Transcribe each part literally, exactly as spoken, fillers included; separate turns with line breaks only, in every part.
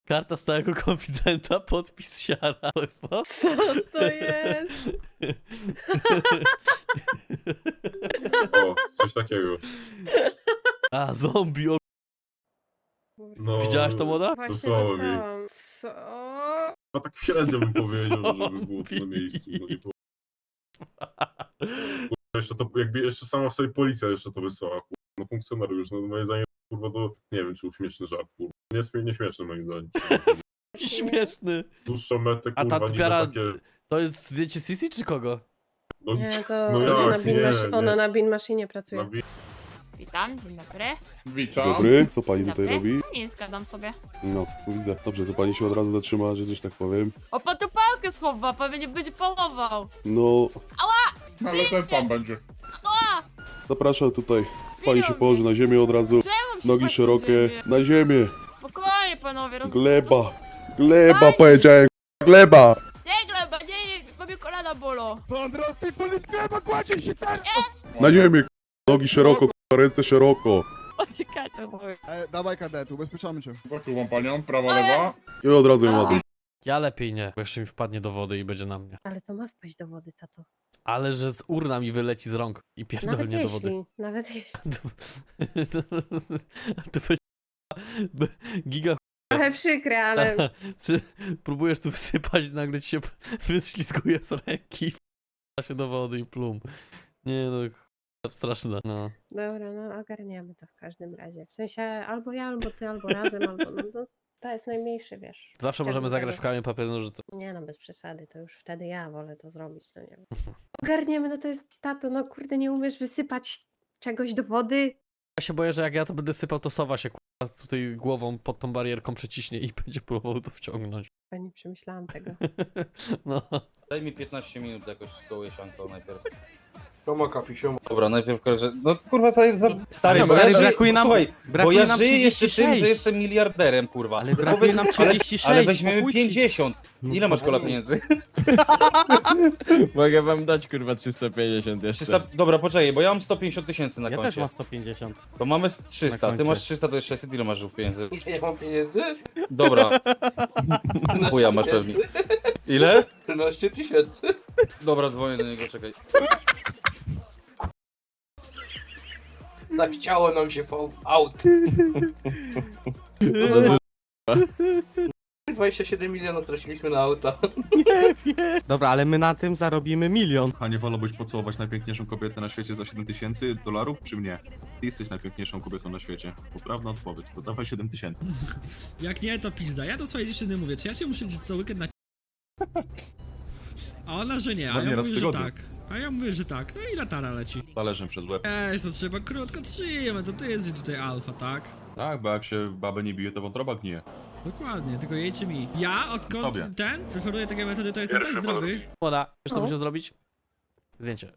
Karta stałego konfidenta, podpis siara. To jest to?
Co to jest?
O, coś takiego.
A, zombie. O...
No,
Widziałaś to, młoda?
Właśnie
słabo mi.
dostałam. Co?
Chyba tak średnio bym powiedział, żeby było to na
Zombie.
miejscu. No nie było. Jeszcze to, jakby jeszcze sama sobie policja jeszcze to wysłała, kurwa. No funkcjonariusz, no moje zdanie, kurwa, to nie wiem, czy był śmieszny żart, kurwa. Nie, śmie- nie śmieszny moim zdaniem.
Śmieszny.
Dłuższą metę,
A ta
kurwa, niby
typiara-
takie...
To jest zdjęcie Sisi czy kogo?
No,
Nie, to
no
ona,
jak,
na bin
nie,
maszy-
nie.
ona na bin maszynie pracuje.
Na wi-
Witam, dzień dobry.
Witam.
Dobry, co pani
Dzień
tutaj
dobry.
robi?
Nie zgadzam sobie.
No, tu widzę. Dobrze, to pani się od razu zatrzyma, że coś tak powiem.
O, pan tu pałkę schowa, pan mnie będzie połował.
No,
Ale ten pan będzie.
Ała!
zapraszam tutaj. Pani się
Biją
położy na ziemię od razu.
Czemu się
Nogi
tak
szerokie,
dzieje?
na ziemię.
Spokojnie, panowie, roz...
Gleba. Gleba powiedziałem. Gleba.
Nie, gleba, nie, nie, bo mnie kolana bolą.
Na ziemię. Nogi szeroko, ręce szeroko.
Uciekajcie, mówię.
E, dawaj kadetu, ubezpieczamy cię.
Poczuwam panią, prawa, lewa.
I od razu ją ładuj.
Ja lepiej nie, bo jeszcze mi wpadnie do wody i będzie na mnie.
Ale to ma wpaść do wody, tato.
Ale że z urna mi wyleci z rąk i
Nawet
pierdolnie do wody.
jeśli, nawet jeśli.
To, to będzie b- giga.
Trochę przykre, ale
Czy próbujesz tu wsypać, nagle ci się wyślizguje z ręki, w się do wody i plum. Nie no, ch- straszne. No.
dobra, no ogarniamy to w każdym razie. W sensie albo ja, albo ty, albo razem, albo no to, to jest najmniejszy, wiesz.
Zawsze możemy
Chciałbym
zagrać w
tego.
kamień, papier, nożyce.
Nie no, bez przesady, to już wtedy ja wolę to zrobić, no nie wiem. Ogarniemy, no to jest, tato, no kurde, nie umiesz wysypać czegoś do wody?
Ja się boję, że jak ja to będę sypał, to sowa się kurwa tutaj głową pod tą barierką przeciśnie i będzie próbował to wciągnąć.
Ja nie przemyślałam tego.
No.
Daj mi piętnaście minut jakoś z koło Jesianką najpierw.
Sioma, kapi, sioma.
Dobra, najpierw kojarzę. No kurwa, to jest za... Stary,
No,
bo ja
ale
żyję...
brakuje nam-
Słuchaj, bo
brakuje
ja
nam
żyję jeszcze
trzydzieści
tym, że
sześć.
jestem miliarderem, kurwa.
Ale
Tylko
brakuje
weź-
nam
ale-
trzydzieści sześć,
Ale weźmiemy
spokójcie.
pięćdziesiąt. Ile masz kola pieniędzy?
Mogę wam dać kurwa trzysta pięćdziesiąt jeszcze.
trzysta... Dobra, poczekaj, bo ja mam sto pięćdziesiąt tysięcy na
Ja też
koncie.
mam sto pięćdziesiąt.
To mamy trzysta,
Na
ty
koncie.
masz trzysta, to jest sześćset, ile masz żółw pieniędzy?
Nie mam pieniędzy?
Dobra, chuja masz pewnie. Ile?
trzynaście tysięcy.
Dobra, dzwonię do niego, czekaj.
Tak chciało nam się fall out. dwadzieścia siedem milionów traciliśmy na auta.
Dobra, ale my na tym zarobimy milion.
A nie wolałbyś pocałować najpiękniejszą kobietę na świecie za siedem tysięcy dolarów, czy mnie? Ty jesteś najpiękniejszą kobietą na świecie. Poprawna odpowiedź, to dawaj siedem tysięcy.
Jak nie, to pizda. Ja do swojej dziewczyny mówię, czy ja cię muszę gdzieś co weekend na... A ona, że nie, a
Ładnie
ja
raz w
mówię, że
tygodniu.
tak. A ja mówię, że tak. No i latara leci.
Talerzem przez łeb.
Ej, to trzeba krótko trzymać, to ty jesteś tutaj alfa, tak?
Tak, bo jak się babę nie bije, to wątroba gnije.
Dokładnie, tylko jejcie mi. Ja, odkąd
Sobie.
ten, preferuję takie metody, to jestem tak zdrowy.
Młoda, wiesz co
O.
musimy zrobić? Zdjęcie.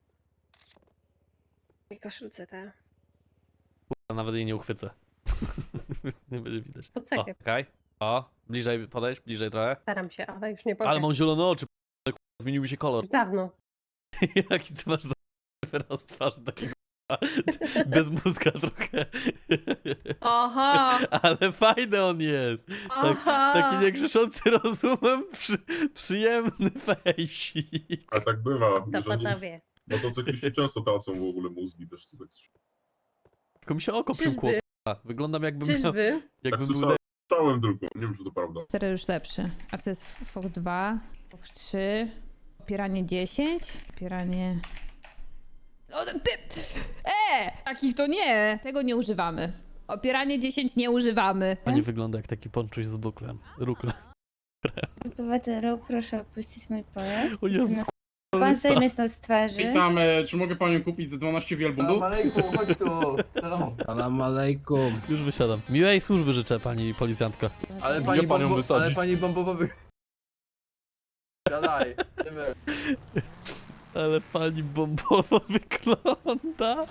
W tej koszulce, ta.
A nawet jej nie uchwycę. Nie będzie widać. O,
Pocekę.
okej. O, bliżej podejść, bliżej trochę.
Staram się, ale już nie powiem.
Ale mam zielone oczy, p***, zmienił mi się kolor.
Już dawno.
Jaki ty masz za wyraz twarzy takiego bez mózga trochę.
Oho!
Ale fajny on jest. Tak,
Oho!
taki niegrzeszący rozumem, przy, przyjemny fejsik.
A tak bywa,
To
że nie,
panowie.
motocykliści często tracą w ogóle mózgi też. To tak,
Tylko mi się oko przymkło.
Czyżby?
k***a. Wyglądam jakbym miał,
Czyżby?
tak
jakbym był
słyszałem słyszałem tylko, nie wiem czy to prawda.
Cztery już lepszy. A co jest F O K dwa? F O K trzy? Opieranie dziesięć? Opieranie... O, ty! E! Takich to nie! Tego nie używamy. Opieranie dziesięć nie używamy.
Pani wygląda jak taki ponczuś z duklem. Ruklem.
Obywatelu, proszę opuścić mój pojazd.
O Jezus,
Pan zdejmie stąd z twarzy.
Witam, e, czy mogę panią kupić za dwanaście wielbłądów?
Salam alejkum, chodź tu. Salam.
Salam alejkum.
już wysiadam. Miłej służby życzę, pani policjantka.
Ale
Gdzie
pani,
panią
bombo,
wysadzi?
ale pani bombowy... Gadaj.
Ale pani bombowo wygląda.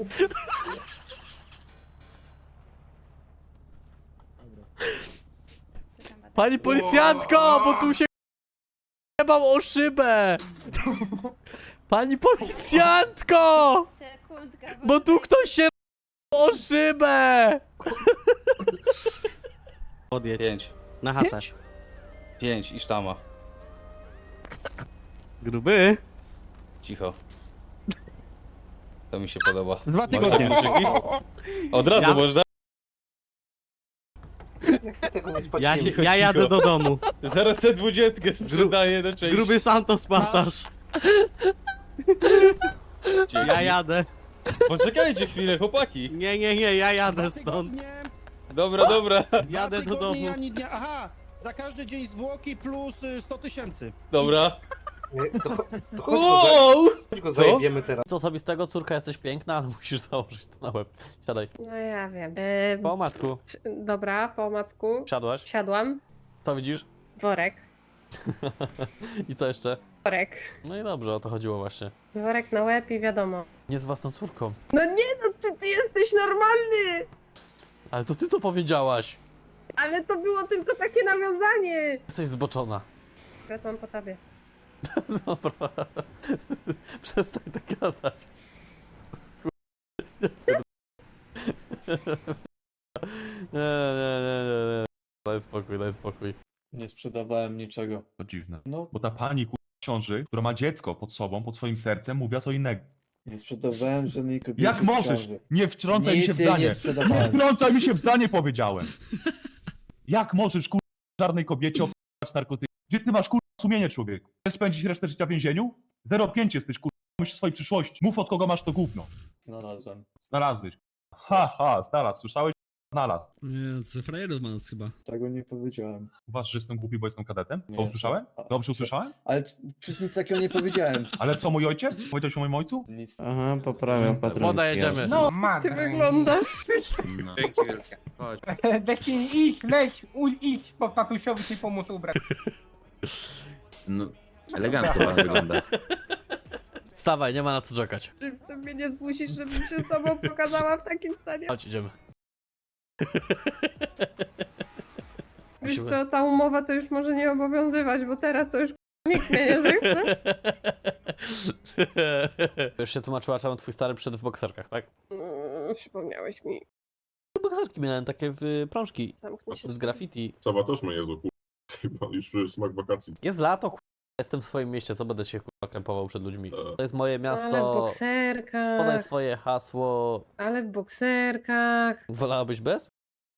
Pani policjantko, bo tu się jebał o szybę. Pani policjantko,
Sekundka,
bo tu ktoś się o szybę.
Odjedź.
Pięć.
Na chatę.
Pięć?
Pięć i sztama.
Gruby.
Cicho. To mi się podoba.
Dwa
Można
tygodnie.
kluczyki? Od razu
Ja-
można.
Tego nie
Ja,
spłaciłem.
się, ja jadę do domu.
Zaraz tę dwudziestkę sprzedaję na część.
Gruby sam to spacasz. Ja jadę.
Poczekajcie chwilę, chłopaki.
Nie, nie, nie, ja jadę stąd.
Dobra, dobra.
Jadę do domu.
Aha, za każdy dzień zwłoki plus y, sto tysięcy.
Dobra.
Nie, To, to chodź go, za, chodź go zajebiemy teraz.
Co osobistego, córka, jesteś piękna, ale musisz założyć to na łeb. Siadaj.
No ja wiem. E,
Po omacku.
dobra, po omacku.
Siadłaś.
Siadłam.
Co widzisz?
Worek.
I co jeszcze?
Worek.
No i dobrze, o to chodziło właśnie.
Worek na łeb i wiadomo.
Nie z własną córką.
No nie, no ty, ty jesteś normalny!
Ale to ty to powiedziałaś.
Ale to było tylko takie nawiązanie!
Jesteś zboczona.
Wracam po tobie.
Dobra. Przestań tak gadać. Nie, nie, nie, nie, nie. Daj spokój, daj spokój.
Nie sprzedawałem niczego.
To dziwne.
No,
Bo ta pani ku... ciąży, która ma dziecko pod sobą, pod swoim sercem, mówiła co innego.
nie sprzedawałem żadnej kobiety.
Jak możesz? Nie wtrącaj mi się w zdanie. Nie
sprzedawałem.
wtrącaj mi się w zdanie, powiedziałem. Jak możesz kur... czarnej kobiecie opłacać narkotyki? Gdzie ty masz kur... sumienie, człowieku? Chcesz spędzić resztę życia w więzieniu? zero pięć jesteś kur... myśl o swojej przyszłości. Mów, od kogo masz to gówno.
Znalazłem.
Znalazłeś. Ha, ha, znalazł. Słyszałeś? Znalazł.
Nie, co frajerów ma nas chyba.
Tego nie powiedziałem.
Uważasz, że jestem głupi, bo jestem kadetem? To
Nie.
usłyszałem? Dobrze usłyszałem?
Ale przecież nic takiego nie powiedziałem.
Ale co, mój ojciec? Powiedziałeś o moim ojcu?
Nic.
Aha, poprawiam patrol.
Woda, jedziemy.
No,
Ty wyglądasz.
Dzięki wielkie. Chodź.
Deszcin, idź, leź, idź, bo tatusiowi się pomóc ubrać.
No, elegancko pan wygląda.
Wstawaj, nie ma na co czekać.
Ty mnie nie zmusisz, żebym się z tobą pokazała w takim stanie.
Chodź, idziemy.
Wiesz co, ta umowa to już może nie obowiązywać, bo teraz to już nikt mnie nie zechce.
Już się tłumaczyła, czemu twój stary przyszedł w bokserkach, tak?
Mm, Przypomniałeś mi.
Bokserki miałem takie w prążki.
Zamknij się.
Z graffiti.
Sawa też ma niezły kur... Chyba już smak wakacji.
Jest lato, k***a. Jestem w swoim mieście, co będę się k***a krępował przed ludźmi.
E.
To jest moje
Ale w
miasto.
bokserkach.
Podaj swoje hasło.
Ale w bokserkach.
Wolałabyś bez?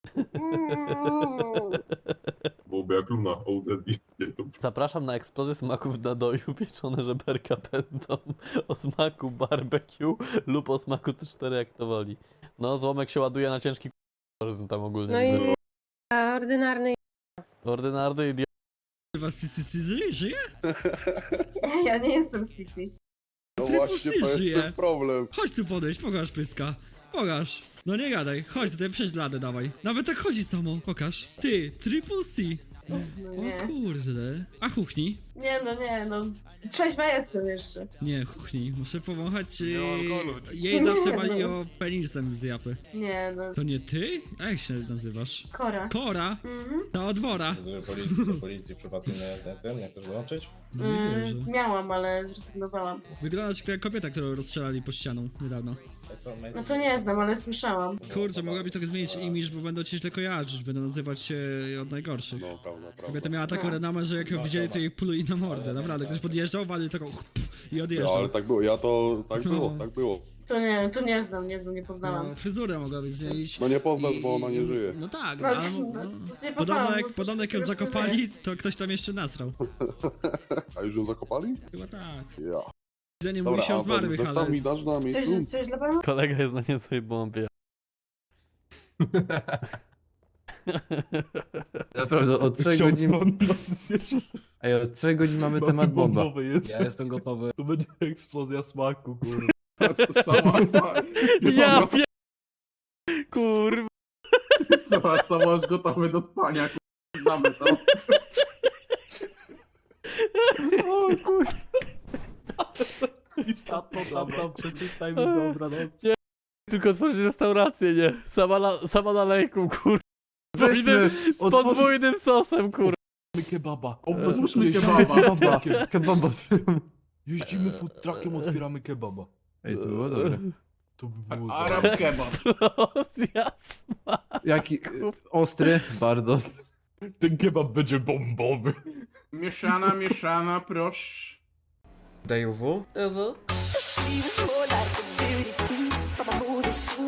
Mm.
Byłoby jak Luna, O D D. Nie, to
Zapraszam na eksplozję smaków w nadoju. Pieczone żeberka będą o smaku barbecue lub o smaku C cztery, jak to woli. No, złomek się ładuje na ciężki k***a, tam ogólnie.
No
widzę.
i a, ordynarny.
Ordynarny idiot.
Kurwa, Sisi Sisi żyje?
Ja nie jestem Sisi.
No
Triple
właśnie,
C
to jest
żyje.
ten problem.
Chodź tu podejść, pokaż pyska. Pokaż. No nie gadaj, chodź tutaj, przejdź ladę, dawaj. Nawet tak chodzi samo, pokaż. Ty, Triple C. O kurde. A chuchnij?
Nie no, nie no. Trzeźwa jestem jeszcze.
Nie, chuchnij. Muszę powąchać. Yy... Jej zawsze wali o penisem z japy.
Nie no.
To nie ty? A jak się nazywasz?
Kora.
Kora?
Mhm.
Ta od wora.
Policji, policji przypadkiem na ten, jak chcesz dołączyć?
No nie wierzę.
Miałam, ale zrezygnowałam.
Wyglądasz jak ta kobieta, którą rozstrzelali po ścianą niedawno.
No to nie znam, ale słyszałam.
Kurczę, mogłabyś trochę zmienić imiż, bo będą cię źle kojarzyć, będą nazywać się od najgorszych.
No, prawda, prawda.
Kobieta miała taką renomę, że jak ją widzieli, to jej pluli na mordę. Naprawdę, ktoś podjeżdżał, walił taką i
No,
odjeżdżał.
ale tak było, ja to, tak było,
No.
tak było.
To nie, to nie znam, nie znam, nie poznałam.
No, fryzurę mogłabyś zmienić.
No nie poznasz,
I-
bo ona nie żyje.
No tak,
No,
ale...
no,
No,
nie
podobno
poznałam,
jak,
bo
podobno jak ją
już nie
zakopali, to ktoś tam jeszcze nasrał.
A już ją zakopali?
Chyba tak.
Ja.
Widzenie
Dobra,
mówi się o
a ten
zmarłych, ale...
zestaw mi dasz na miejscu?
Coś, coś dla pana?
Kolega jest na niezłej bombie.
Naprawdę, od trzech godzin... Ej, od trzech godzin mamy temat bomba. Ja jestem gotowy.
Tu będzie eksplozja smaku, kurwa.
Sama, sama,
Ja pie... Kurwa.
sama, sama już gotowy do spania, kurwa, zamysł.
O kurwa.
Tam, tam, tam, przeczytaj mi, dobra, no.
Tylko otworzyć restaurację, nie? Sama na, sama na lejku, kurwa.
Weźmy,
Z podwójnym sosem, kurwa.
Kebaba.
Otwórzmy kebaba.
Kebaba.
Jeździmy food truckiem, otwieramy kebaba.
Ej, to było dobre.
To by było
Arab kebab.
Eksplozja smaku.
Jaki ostry? Bardzo.
Ten kebab będzie bombowy.
Mieszana, mieszana, proszę.
Daj U W?
Ewo?